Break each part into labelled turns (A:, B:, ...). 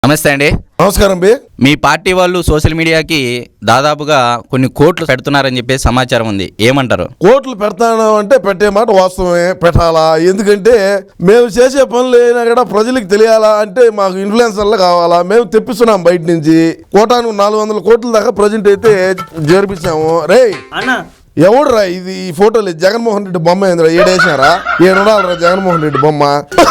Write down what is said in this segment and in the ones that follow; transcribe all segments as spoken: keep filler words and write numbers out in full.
A: నమస్తే అండి.
B: నమస్కారం బి.
A: మీ పార్టీ వాళ్ళు సోషల్ మీడియాకి దాదాపుగా కొన్ని కోట్లు పెడుతున్నారని చెప్పి సమాచారం ఉంది, ఏమంటారు?
B: కోట్లు పెడతాను అంటే పెట్టే మాట వాస్తవమే, పెట్టాలా. ఎందుకంటే మేము చేసే పనులు అయినా కూడా ప్రజలకు తెలియాలా అంటే మాకు ఇన్ఫ్లుయెన్సర్లు కావాలా. మేము తెప్పిస్తున్నాం బయట నుంచి కోటాను నాలుగు వందల కోట్ల దాకా ప్రజెంట్ అయితే జరిపించాము. రే
C: అన్నా
B: ఎవడురా ఇది? ఈ ఫోటోలు జగన్మోహన్ రెడ్డి బొమ్మ ఏందిరా? ఏడేసినారా? ఏడున్నారా జగన్మోహన్ రెడ్డి బొమ్మ?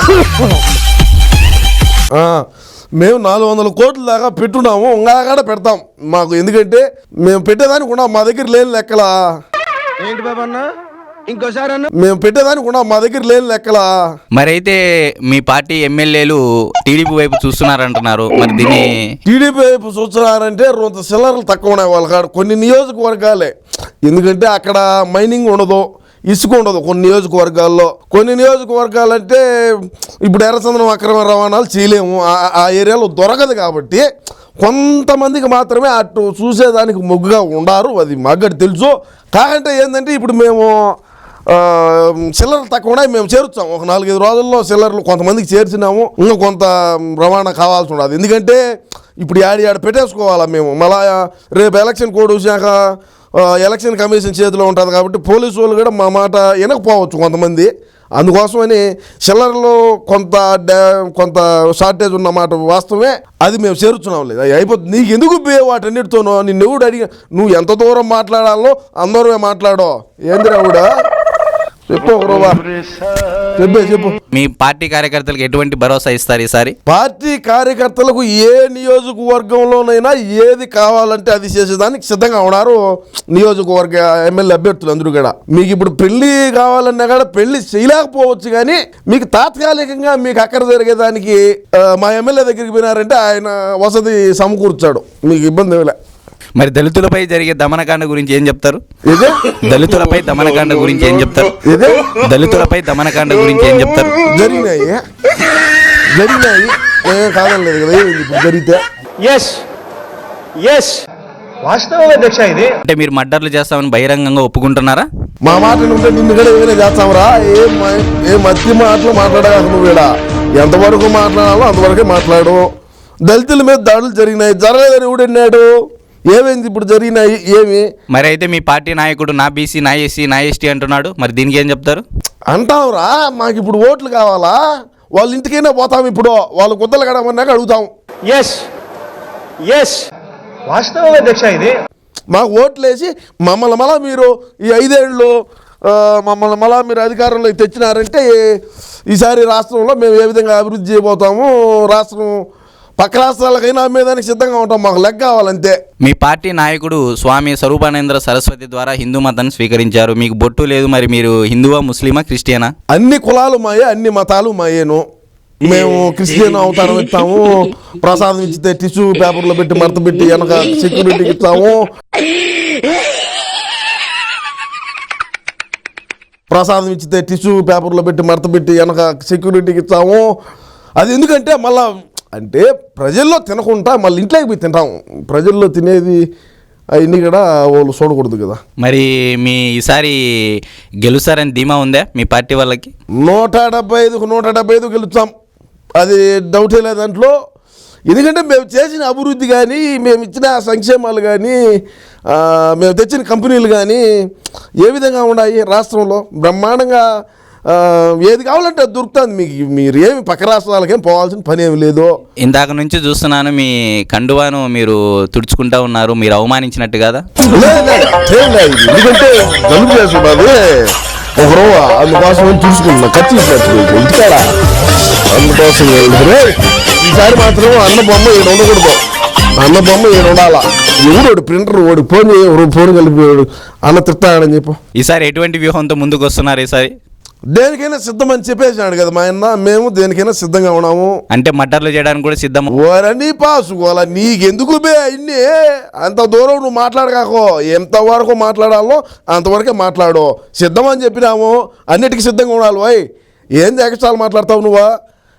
B: మేము నాలుగు వందల కోట్ల దాకా పెట్టున్నాము, ఇంకా కూడా పెడతాం మాకు. ఎందుకంటే మేము పెట్టేదానికి కూడా మా దగ్గర లేని లెక్కలా.
C: ఏంటి బాబా అన్న ఇంకోసారి అన్న
B: మేము పెట్టేదానికి కూడా మా దగ్గర లేని లెక్కలా.
A: మరైతే మీ పార్టీ ఎమ్మెల్యేలు టీడీపీ వైపు చూస్తున్నారంటున్నారు, మరి దీన్ని
B: టీడీపీ వైపు చూస్తున్నారంటే కొంత సిల్లర్లు తక్కువ ఉన్నాయి వాళ్ళ కాడ కొన్ని నియోజకవర్గాలే. ఎందుకంటే అక్కడ మైనింగ్ ఉండదు, ఇసుక ఉండదు కొన్ని నియోజకవర్గాల్లో. కొన్ని నియోజకవర్గాలు అంటే ఇప్పుడు ఎర్రచందనం అక్రమ రవాణాలు చేయలేము, ఆ ఏరియాలో దొరకదు. కాబట్టి కొంతమందికి మాత్రమే అటు చూసేదానికి మొగ్గుగా ఉండారు, అది మాకు తెలుసు. కాకంటే ఏంటంటే ఇప్పుడు మేము సిల్లర్లు తక్కువ ఉన్నాయి, మేము చేర్చాం. ఒక నాలుగైదు రోజుల్లో సిల్లర్లు కొంతమందికి చేర్చినాము, ఇంకా కొంత రవాణా కావాల్సి ఉండదు. ఎందుకంటే ఇప్పుడు యాడి యాడ పెట్టేసుకోవాలా మేము. మళ్ళా రేపు ఎలక్షన్ కోడ్ వచ్చాక ఎలక్షన్ కమిషన్ చేతిలో ఉంటుంది కాబట్టి పోలీసు వాళ్ళు కూడా మా మాట వినకపోవచ్చు కొంతమంది. అందుకోసమని సిల్లర్లో కొంత కొంత షార్టేజ్ ఉన్నమాట వాస్తవమే, అది మేము చేరుచున్నాం. లేదు అయిపోతుంది. నీకు ఎందుకు వాటన్నిటితోనో నిన్ను ఎవడు అడిగి నువ్వు ఎంత దూరం మాట్లాడాలో అందరమే మాట్లాడో. ఏందిరా కూడా చెప్పు ఒక రూపా చెప్పే చెప్పు.
A: మీ పార్టీ కార్యకర్తలకు ఎటువంటి భరోసా ఇస్తారు ఈసారి?
B: పార్టీ కార్యకర్తలకు ఏ నియోజకవర్గంలోనైనా ఏది కావాలంటే అది చేసేదానికి సిద్ధంగా ఉన్నారు నియోజకవర్గ ఎమ్మెల్యే అభ్యర్థులు అందరూ కూడా. మీకు ఇప్పుడు పెళ్లి కావాలన్నా కూడా పెళ్లి చేయలేకపోవచ్చు, కానీ మీకు తాత్కాలికంగా మీకు అక్కడ జరిగేదానికి మా ఎమ్మెల్యే దగ్గరికి పోయినారంటే ఆయన వసతి సమకూర్చాడు, మీకు ఇబ్బంది ఏమిలే.
A: మరి దళితులపై జరిగే దమనకాండ గురించి ఏం చెప్తారు? దళితులపై దమనకాండ గురించి ఏం చెప్తారు? దళితులపై దమనకాండ గురించి ఏం చెప్తారు?
B: జరిగినాయి జరిగినాయి కాదనలేదు కదా, ఇప్పుడు జరిగితే
C: ఎస్ ఎస్ వాస్తవం అధ్యక్ష. ఇది
A: అంటే మీరు మర్డర్లు చేస్తామని బహిరంగంగా ఒప్పుకుంటున్నారా?
B: మా మాట ఉంటే నిన్ను కూడా ఏమైనా చేస్తామరా? ఏం ఏ మధ్య మాటలు మాట్లాడగా నువ్వు కూడా ఎంతవరకు మాట్లాడాలో అంతవరకే మాట్లాడు. దళితుల మీద దాడులు జరిగినాయి, జరగలేదని ఎవడన్నాడు? ఏమైంది ఇప్పుడు జరిగినాయి? ఏమి
A: మరి అయితే మీ పార్టీ నాయకుడు నా బీసీ నా ఎస్సీ నా ఎస్టీ అంటున్నాడు, మరి దీనికి ఏం చెప్తారు?
B: అంటావురా, మాకు ఇప్పుడు ఓట్లు కావాలా? వాళ్ళ ఇంటికైనా పోతాం, ఇప్పుడు వాళ్ళు గుద్దలు కడమన్నాక అడుగుతాం.
C: ఎస్ ఎస్ వాస్తవం అధ్యక్ష. ఇది
B: మాకు ఓట్లు వేసి మమ్మల్ని మళ్ళా మీరు ఈ ఐదేళ్ళు మమ్మల్ని మళ్ళా మీరు అధికారంలో తెచ్చినారంటే ఈసారి రాష్ట్రంలో మేము ఏ విధంగా అభివృద్ధి చేయబోతాము, రాష్ట్రం పక్క రాష్ట్రాలకైనా అమ్మేదానికి సిద్ధంగా ఉంటాం, మాకు లెక్క కావాలంతే.
A: మీ పార్టీ నాయకుడు స్వామి స్వరూపానంద సరస్వతి ద్వారా హిందూ మతాన్ని స్వీకరించారు, మీకు బొట్టు లేదు, మరి మీరు హిందువా ముస్లిమా క్రిస్టియనా?
B: అన్ని కులాలు మాయే, అన్ని మతాలు మాయేను. మేము క్రిస్టియన్ అవతారం ఇస్తాము, ప్రసాదం ఇచ్చితే టిష్యూ పేపర్లో పెట్టి మడత పెట్టి వెనక సెక్యూరిటీకి ఇస్తాము. ప్రసాదం ఇచ్చితే టిష్యూ పేపర్లో పెట్టి మడత పెట్టి వెనక సెక్యూరిటీకి ఇస్తాము. అది ఎందుకంటే మళ్ళా అంటే ప్రజల్లో తినకుండా మళ్ళీ ఇంట్లోకి పోయి తింటాం. ప్రజల్లో తినేది అవన్నీ కూడా వాళ్ళు చూడకూడదు కదా.
A: మరి మీ ఈసారి గెలుస్తారని ధీమా ఉందా మీ పార్టీ వాళ్ళకి?
B: నూట డెబ్బై ఐదుకు నూట డెబ్బై ఐదు గెలుస్తాం, అది డౌటే లేదు దాంట్లో. ఎందుకంటే మేము చేసిన అభివృద్ధి కానీ, మేము ఇచ్చిన సంక్షేమాలు కానీ, మేము తెచ్చిన కంపెనీలు కానీ ఏ విధంగా ఉన్నాయి రాష్ట్రంలో బ్రహ్మాండంగా. ఏది కావాలంటే అది దొరుకుతుంది మీకు. మీరు ఏమి పక్క రాష్ట్రాలకేం పోవాల్సిన పని ఏమి లేదు. ఇందాక
A: నుంచి చూస్తున్నాను మీ కండువాను మీరు తుడుచుకుంటా ఉన్నారు, మీరు అవమానించినట్టు కదా?
B: ఎందుకంటే జలుబు చేస్తున్నది ఒక రోజు, అందుకోసం చూసుకుంటున్నా ఖర్చు ఇంటికాడ. అందుకోసం ఈసారి మాత్రం అన్న బొమ్మ ఏడు ఉండకూడదు, అన్న బొమ్మ ఏడు ఉండాలా. ఎవడు ప్రింటర్ వాడు ఫోన్ ఫోన్ కలిపి అన్న తిట్టాడని చెప్పు.
A: ఈసారి ఎటువంటి వ్యూహంతో ముందుకు వస్తున్నారు? ఈసారి
B: దేనికైనా సిద్ధం అని చెప్పేసినాడు కదా మా అన్న, మేము దేనికైనా సిద్ధంగా ఉన్నాము.
A: అంటే మర్డర్లు చేయడానికి కూడా సిద్ధం.
B: ఓరని పాసుకోవాలా, నీకెందుకు బే అన్నీ అంత దూరం నువ్వు మాట్లాడకాకో. ఎంతవరకు మాట్లాడాలో అంతవరకే మాట్లాడు. సిద్ధం అని చెప్పినాము, అన్నిటికీ సిద్ధంగా ఉండాలి. పోయి ఏం ఎక్స్ట్రాలు మాట్లాడతావు నువ్వా?